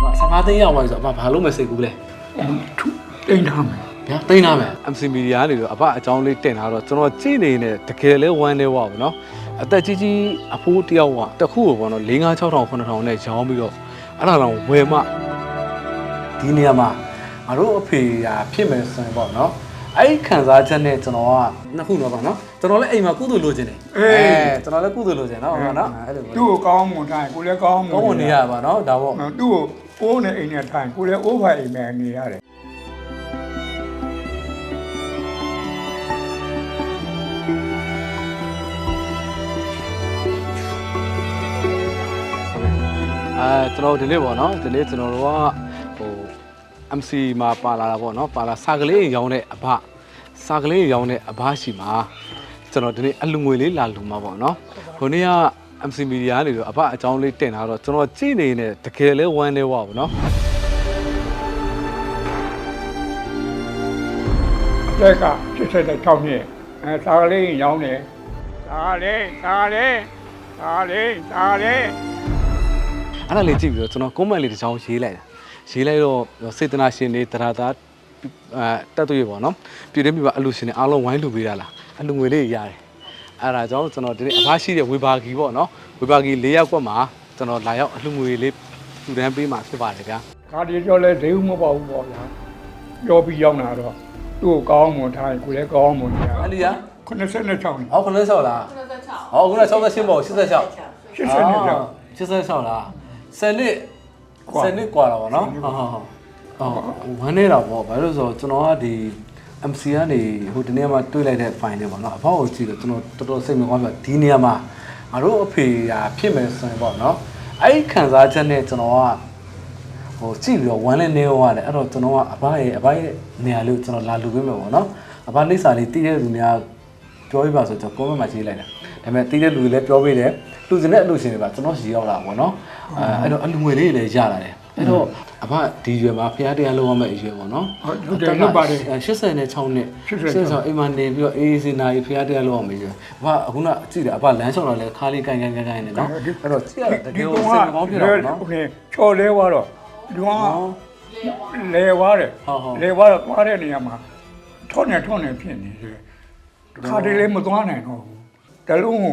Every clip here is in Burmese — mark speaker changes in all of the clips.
Speaker 1: 15သိန်းရောက်သွားပြီဆိုတော့ဘာလို့မစိတ်ကူးလဲ
Speaker 2: တိန်ထားမယ်
Speaker 1: ဗျာသိန်းထားမယ်
Speaker 3: MC Media ကနေတော့အဖအကြောင်းလေးတင်လာတော့ကျွန်တော်ကြည့်နေတကယ်လဲဝမ်းနေဝါဘူးเนาะအသက်ကြီးအဖိုးတယောက်ကတစ်ခုကိုပေါ့နော်4 5 6 000 9000နဲ့ရောင်းပြီးတော့အဲ့ဒါတော့ဝယ်မှ
Speaker 1: ဒီနေရာမှာငါတို့အဖေကဖြစ်မယ်ဆိုရင်ပေါ့နော်အဲ့ခံစားချက်နဲ့ကျွန်တော်ကနှစ်ခုတော့ပါနော်ကျွန်တော်လည်းအိမ်မှာကုသိုလ်လိုချင်တယ်ကျွန်တော်လည်းကုသိုလ်လိုချင်နော်ဟုတ်နော်အဲ့လို
Speaker 2: သူ့ကိုကောင်းမွန်ထားကိုလည်းကောင်းမွန်
Speaker 1: ကောင်းမွန်နေရပါနော်ဒါပေါ့
Speaker 2: သူ့ကိုအိုးနဲ့အိမ်နဲ့ထိုင်ကိုလည်းအိုးဖိုင်အိမ်နဲ့နေရတယ်
Speaker 3: ကျွန်တော်ဒီနေ့ပေါ့နော်ဒီနေ့ကျွန်တော်တို့ကဟို MC မှာပါလာတာပေါ့နော်ပါလာစာကလေးရောင်းတဲ့အဘစာကလေးရောင်းတဲ့အဘရှိမှာကျွန်တော်ဒီနေ့အလူငွေလေးလာလူမှာပေါ့နော်ဟိုနေ့က MC Media ကနေတော့အဘအကြောင်းလေးတင်လာတော့ကျွန်တော်ကြည့်နေတကယ်လဲဝမ်းနေဝါဘူးနော်
Speaker 2: အသက်က86နှစ်စာကလေးရောင်းတယ်စာလေး
Speaker 3: အဲ့ဒါလေးကြည့်ပြီးတော့ကျွန်တော် comment လေးတစ်ချောင်းရေးလိုက်တော့စေတနာရှင်တွေတရားသားတက်သွေးပေါ့နော်ပြည်တွင်းပြည်ပအလူရှင်တွေအားလုံးဝိုင်းလူပေးတာလားအလူငွေလေးရတယ်အဲ့ဒါကြောင့်ကျွန်တော်ဒီနေ့အဖရှိတဲ့ဝေဘာဂီပေါ့နော်ဝေဘာဂီ၄ယောက်ကွက်မှာကျွန်တော်လာရောက်အလူငွေလေးထူတန်းပေးမှာဖြစ်ပါတယ်ဗျာ
Speaker 2: ခါဒီကျော်လဲဈေးဦးမပေါ့ဘူးပေါ့ဗျာပြောပြီးရောက်လာတော့သူ့ကိုကောင်းမွန်ထားကိုလည်းကောင်းမွန်ကြ
Speaker 1: အဲ့ဒီက
Speaker 2: 86နှစ်
Speaker 1: ဟော96လားဟောခုန68ပေါ့86
Speaker 2: 86
Speaker 1: လား10နှစ်กว่าတော့ဗောနော်ဟုတ်ဝမ်းနေတာပေါ့ဘာလို့ဆိုတော့ကျွန်တော်ကဒီ MC ကနေဟိုဒီနေ့မှတွေ့လိုက်တဲ့ file လေးပေါ့နော်အဖေကိုကြည့်တော့ကျွန်တော်တော်တော်စိတ်မကောင်းပြဒီနေရာမှာငါတို့အဖေကဖြစ်မယ်ဆိုရင်ပေါ့နော်အဲ့ဒီခံစားချက်နဲ့ကျွန်တော်ကဟိုကြည့်ပြီးတော့ဝမ်းလဲနေရောရတယ်အဲ့တော့ကျွန်တော်ကအဖရဲ့နေရာလေးကိုကျွန်တော်လာလူပေးမယ်ပေါ့နော်အဖလိပ်စာလေးတည်တဲ့လူများပြောပြပါဆိုတော့ comment မှာရေးလိုက်တာဒါပေမဲ့တည်တဲ့လူတွေလည်းပြောပေးတယ်လူစင်တဲ့အလူရှင်တွေပါကျွန်တော်ရှည်ရောက်လာပေါ့နော်အဲ့တော့အလူငွေလေးတွေလည်းရလာတယ်အဲ့တော့အဖဒီရွယ်မှာဖျားတရားလုံးဝမဲ့အရွယ်ပေါ့နော်
Speaker 2: ဟုတ်တယ်လုပ်ပါတယ်
Speaker 1: 86နှစ်86အိမ်မှာနေပြီးတော့အေးစီနာကြီးဖျားတရားလုံးဝမဲ့အရွယ်အဖအခုနကြည့်တယ်အဖလမ်းလျှောက်လာလဲခါလေးကိုင်နေနော်အဲ့တော့ကြည့်ရတကယ်ကိုစိတ်ကောင်းဖြစ်တော့နော်
Speaker 2: ဟုတ်ကဲ့ချော်လဲသွားတော့ဒီကလဲသွားတယ်လဲသွားတော့သွားတဲ့နေရာမှာထွန်းနေဖြစ်နေတယ်ခါတည်းလေးမသွားနိုင်တော့ဘူးတလုံး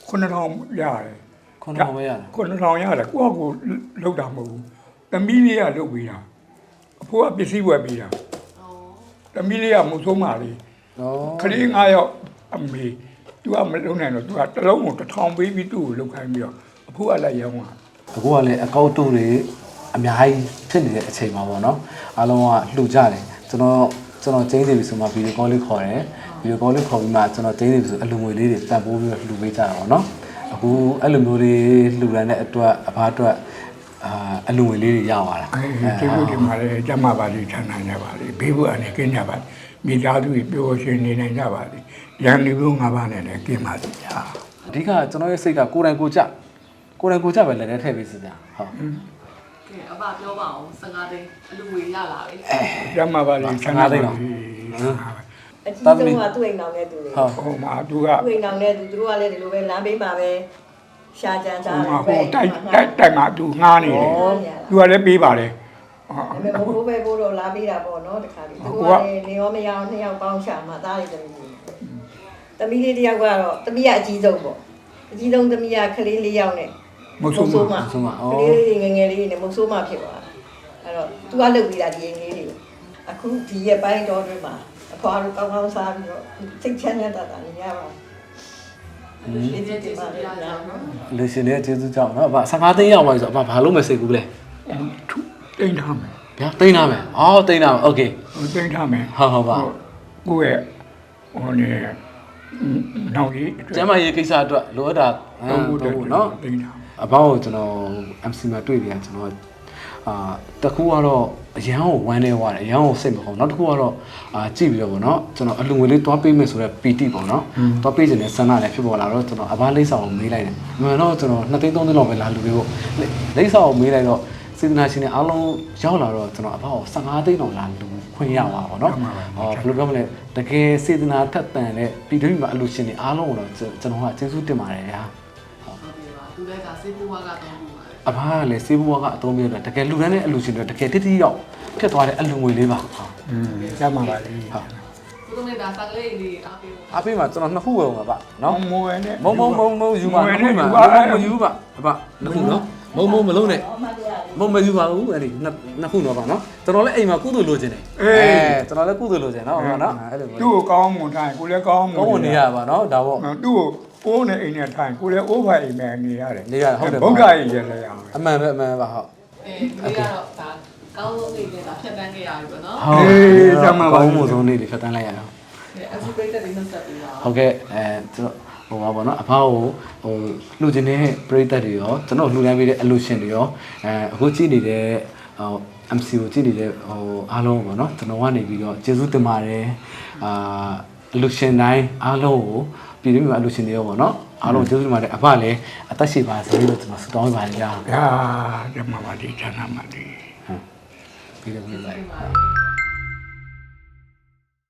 Speaker 2: 9000ရတယ်
Speaker 1: 9000ပဲရတာ
Speaker 2: 9000ရတယ်ကိုယ့်ကိုလောက်တာမဟုတ်ဘူးသမီးလေးကလုပ်ပေးတာအဖိုးကပစ္စည်းဝယ်ပေးတာသမီးလေးကမဆုံးပါလေခလေး9ယောက်အမေသူကမလုံနိုင်တော့သူကတလုံးကို1000ပေးပြီးသူ့ကိုလောက်ခိုင်းပြီးတော့အဖိုးကလည်းရောင်းတာ
Speaker 1: အခုကလည်းအကောက်တုတွေအများကြီးဖြစ်နေတဲ့အချိန်မှာပေါ့နော်အားလုံးကလှူကြတယ်ကျွန်တော်ကျင်းနေပြီဆိုမှဗီဒီယိုကောလေးခေါ်တယ်ဗီဒီယိုကောလေးခေါ်ပြီးမှကျွန်တော်ကျင်းနေပြီဆိုအလူငွေလေးတွေတန်ဖိုးပြီးတော့လှူပေးကြတာပေါ့နော်အခုအဲ့လိုမျိုးတွေလှူရတဲ့အတွက်အဖားအတွက်အလူငွေလေးတွေရသွားတာ
Speaker 2: ကျေးဇူးတင်ပါတယ်ကျမပါလိချမ်းနိုင်ကြပါလိဘေးဘူးအနေကင်းကြပါမိသားစုပျော်ရွှင်နေနိုင်ကြပါလိရန်လူငါးပါးနဲ့လည်းကင်းပါလိဗျာ
Speaker 1: အဓိကကျွန်တော်ရဲ့စိတ်ကကိုယ်တိုင်ကိုကြပဲလည်းထည့်ပေးစီကြဟုတ်
Speaker 4: အဘပြောပါအောင်15သိန်းအလူငွေရလာပြီ
Speaker 2: ကျမပါလိချမ်းနိုင်ပါလိ
Speaker 5: အကြီးဆုံးကသူ့အိမ်အောင်တဲ့သူတွေ
Speaker 2: ဟိုမှာသူက
Speaker 5: သူ့အိမ်အောင်တဲ့သူတို့ကလည်းဒီလိုပဲလမ်းဘေးမှာပဲရှာကြံစားတယ်
Speaker 2: ဟိုတိုက်မှာသူငားနေတယ်သူကလည်းပေးပါတယ်
Speaker 5: ဒါပေမဲ့ဘိုးပဲဘိုးတော့လာပေးတာပေါ့နော်တခါလေးသူကလည်းနေရောမရအောင်နှစ်ယောက်ပေါင်းရှာမှသားလေးသမီးလေးတယောက်ကတော့သမီးကအကြီးဆုံးပေါ့အကြီးဆုံးသမီးကကလေး4ယောက်နဲ့
Speaker 2: မဆုံးဘူး
Speaker 5: ကလေးလေးငယ်လေးနဲ့မုတ်ဆိုးမှဖြစ်သွားအဲ့တော့သူကလုပ်ပြီးတာဒီအိမ်လေးတွေကိုအခုဒီရဲ့ပိုင်းတော်တွေမှာအဖွားတို့ကောင်းကောင်းစားပြီးတော့စိတ်ချမ်းသာတာနေရပါ
Speaker 4: ဒီကျကျေးဇူးများလားနော်
Speaker 1: လူရှင်တွေကျေးဇူးကြောင့်နော်အဖ15သိန်းရောက်သွားပြီဆိုအဖဘာလို့မစိတ်ဘူးလဲ
Speaker 2: တိန်ထားမယ်
Speaker 1: ဗျာသိန်းထားမယ်အော်သိန်းထားမယ်โอเค
Speaker 2: တိန်ထားမယ်
Speaker 1: ဟုတ်ပါ
Speaker 2: ကိုယ့်ရဲ့ဟိုနေနောက်ကြီး
Speaker 1: ကျမ်းမာရေးကိစ္စအတွက်လိုအပ်တာဟုတ်နော်
Speaker 2: တိန်ထား
Speaker 1: အဘောင်းကိုကျွန်တော် MC မှာတွေ့ပြန်ကျွန်တော်တခုကတော့အရန်ကိုဝမ်းနေသွားတယ်အရန်ကိုစိတ်မကောင်းနောက်တစ်ခုကတော့ကြည့်ပြီးတော့ဗောနော်ကျွန်တော်အလူငွေလေးတွားပေးမယ်ဆိုတော့ပီတိပေါ့နော်တွားပေးခြင်းနဲ့ဆန္ဒလည်းဖြစ်ပေါ်လာတော့ကျွန်တော်အဘားလိမ့်စာကိုမေးလိုက်တယ်မှန်တော့ကျွန်တော်2သိန်း3သိန်းလောက်ပဲလာလူပေးဖို့လိမ့်စာကိုမေးလိုက်တော့စေတနာရှင်တွေအားလုံးရောက်လာတော့ကျွန်တော်အဘောင်းကို15သိန်းလောက်လာလူခွင့်ရပါဗောနော်ဘယ်လိုပြောမလဲတကယ်စေတနာထက်သန်တဲ့ပြည်တွင်းမှာအလူရှင်တွေအားလုံးကိုတော့ကျွန်တော်ကကျေးဇူးတင်ပါတယ်ဗျာ
Speaker 4: ဟုတ်ပြီပါသူလည်းကစေးပူဝါကတော့ဘူးပါတယ်
Speaker 3: အဖားကလည်းစေးဘွားကအသုံးပြုတာတကယ်လူတန်းတဲ့အလူရှင်တွေတကယ်တိတိရောက်ဖြစ်သွားတဲ့အလူငွေလေးပါဟုတ်
Speaker 2: ကျမ်းပါပါလေ
Speaker 4: ဘုရားမေဒါစာကလေးလေးအားပေးဖို့
Speaker 3: အားပေးမှာကျွန်တော်နှစ်ခုပဲပါနော်
Speaker 2: မွေနဲ့
Speaker 3: မုံယူပါနှစ်ခုမှာမယူပါအဖနှစ်ခုနော်မုံမလုံးနဲ့မုံမယူပါဘူးအဲ့ဒီနှစ်ခုတော့ပါနော်ကျွန်တော်လည်းအိမ်မှာကုသိုလ်လိုချင်တယ်ကျွန်တော်လည်းကုသိုလ်လိုချင်နော်နော်အဲ့လို
Speaker 2: သူ့ကိုကောင်းမွန်ထိုင်ကိုလည်းကောင်းမွန်
Speaker 3: ကောင်းနေရပါနော်ဒါပေါ့
Speaker 2: သူ့ကိုအိုးနဲ့အိမ်နဲ့ထိုင်ကိုလည်းအိုးဖိုင်အိမ်နဲ့နေရတယ်
Speaker 3: နေရဟုတ်တယ်
Speaker 2: ဘုရားကြီးရရအောင်
Speaker 3: အမှန်ပဲအမှန်ပါဟုတ်
Speaker 4: ဒီကတော့ဒါကောင်းဆုံးလေးနဲ့ဒါဖြတ်တန်းခဲ့ရပြီပေါ့နော်
Speaker 3: ကောင်းမှုဆုံးနေ့တွေဖြတ်တန်းလိုက်ရအောင်
Speaker 4: အခုပြိတ္တတွေနှုတ်ဆက်ပြီးပါ
Speaker 3: ဟုတ်ကဲ့ကျွန်တော်ဟိုပါပေါ့နော်အဖေကိုဟိုလှူခြင်းတဲ့ပရိသတ်တွေရောကျွန်တော်လှူဒန်းပေးတဲ့အလူရှင်တွေရောအခုကြည့်နေတဲ့ဟို MC ကိုကြည့်နေတဲ့ဟိုအားလုံးပေါ့နော်ကျွန်တော်ကနေပြီးတော့ကျေးဇူးတင်ပါတယ်အလူရှင်တိုင်းအားလုံးကိုပြည်သူ့မှာအလူရှင်တွေရောပေါ့နော်အားလုံးကျေးဇူးတင်ပါတယ်အဖလည်းအသက်ရှိပါစေလို့ကျွန်တော်ဆုတောင်းပေးပါတယ်ဗျာ
Speaker 2: ဟာဓမ္မပါတိဌာနပါတိ
Speaker 3: ပြီးတယ်ပြီ
Speaker 4: ဒီမှာ